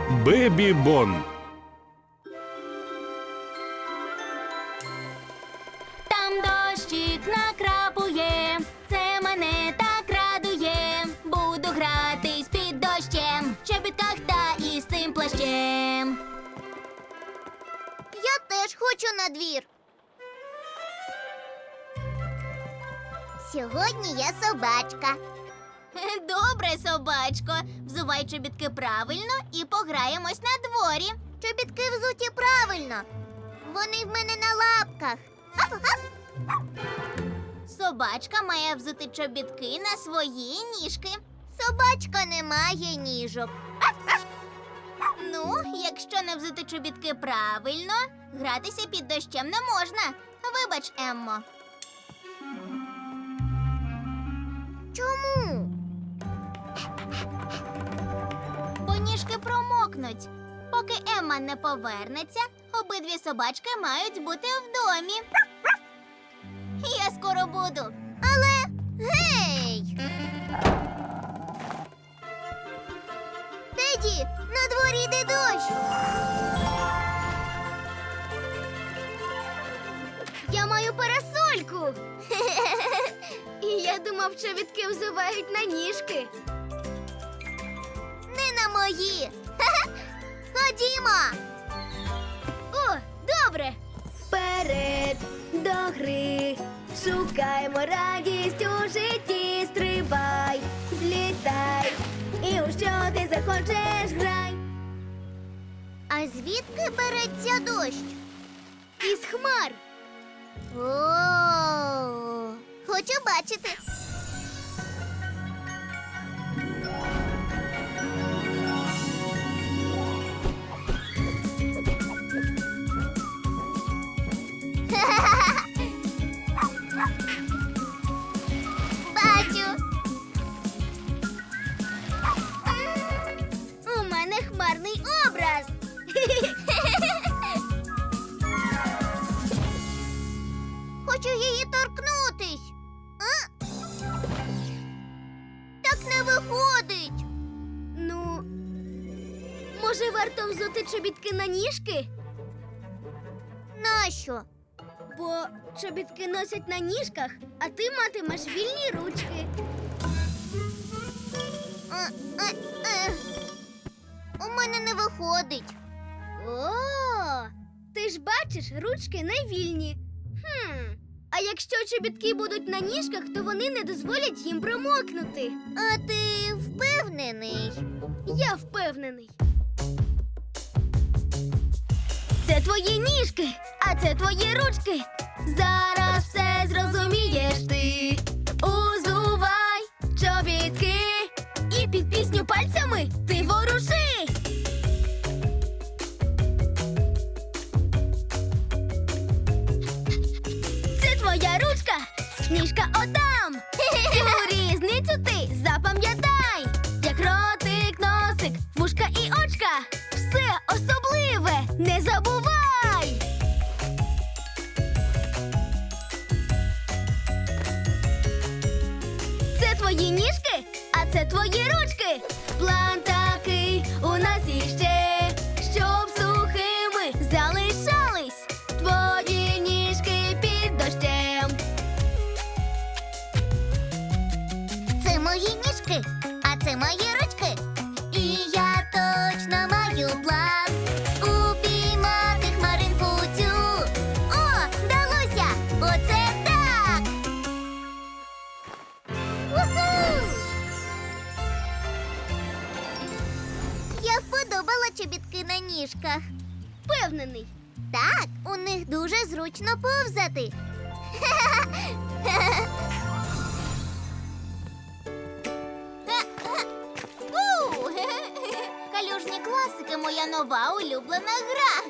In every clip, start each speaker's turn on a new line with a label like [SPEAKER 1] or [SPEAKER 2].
[SPEAKER 1] Бебі Бон.
[SPEAKER 2] Там дощик накрапує, це мене так радує. Буду гратись під дощем, в чобітках та із цим плащем.
[SPEAKER 3] Я теж хочу на двір. Сьогодні я собачка.
[SPEAKER 2] Добре, собачко. Взувай чобітки правильно і пограємось на дворі.
[SPEAKER 3] Чобітки взуті правильно. Вони в мене на лапках.
[SPEAKER 2] Собачка має взути чобітки на свої ніжки.
[SPEAKER 3] Собачка не має ніжок.
[SPEAKER 2] Ну, якщо не взути чобітки правильно, гратися під дощем не можна. Вибач, Еммо.
[SPEAKER 3] Чому?
[SPEAKER 2] Бо ніжки промокнуть. Поки Емма не повернеться, обидві собачки мають бути в домі. Я скоро буду.
[SPEAKER 3] Але гей! Теді, на дворі йде дощ. Я маю парасольку.
[SPEAKER 2] І я думав, чобітки взувають на ніжки.
[SPEAKER 3] Не на мої. Ходімо.
[SPEAKER 2] О, добре. Вперед до гри. Шукаймо радість у житті. Стрибай, злітай. І у що ти захочеш, грай.
[SPEAKER 3] А звідки береться дощ?
[SPEAKER 2] Із хмар.
[SPEAKER 3] О, хочу бачити. Бачу.
[SPEAKER 2] У мене хмарний образ.
[SPEAKER 3] Хочу її торкнутись. А? Так не виходить.
[SPEAKER 2] Ну, може, варто взути чобітки на ніжки?
[SPEAKER 3] Нащо?
[SPEAKER 2] Бо чобітки носять на ніжках, а ти матимеш вільні ручки.
[SPEAKER 3] Е, е, е. У мене не виходить.
[SPEAKER 2] О, ти ж бачиш, ручки не вільні. А якщо чобітки будуть на ніжках, то вони не дозволять їм промокнути.
[SPEAKER 3] А ти впевнений?
[SPEAKER 2] Я впевнений. Це твої ніжки, а це твої ручки. Зараз все зрозумієш ти. Узувай чобітки і під пісню пальцями ти воруши. Це твоя ручка, ніжка отам. Цю різницю ти запам'ятай. Як ротик, носик, вушка і очка. Все особливе не забувай. Це твої ніжки, а це твої ручки. План такий у нас іще, щоб сухими залишались твої ніжки під дощем.
[SPEAKER 3] Це мої ніжки, а це мої ручки. І я точно маю план упіймати хмаринку цю. О, вдалося! Оце так! Уху! Я вподобала чобітки на ніжках.
[SPEAKER 2] Впевнений.
[SPEAKER 3] Так, у них дуже зручно повзати.
[SPEAKER 2] Калюжні класики – моя нова улюблена гра.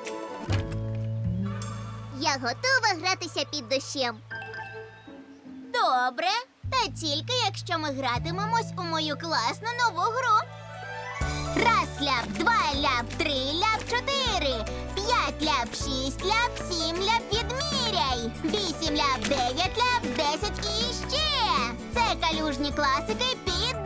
[SPEAKER 3] Я готова гратися під дощем.
[SPEAKER 2] Добре, та тільки якщо ми гратимемось у мою класну нову гру. Раз ляп, два ляп, три ляп, чотири, п'ять ляп, шість ляп, сім ляп, відміряй. Вісім ляп, дев'ять ляп, 10 і ще. Це калюжні класики під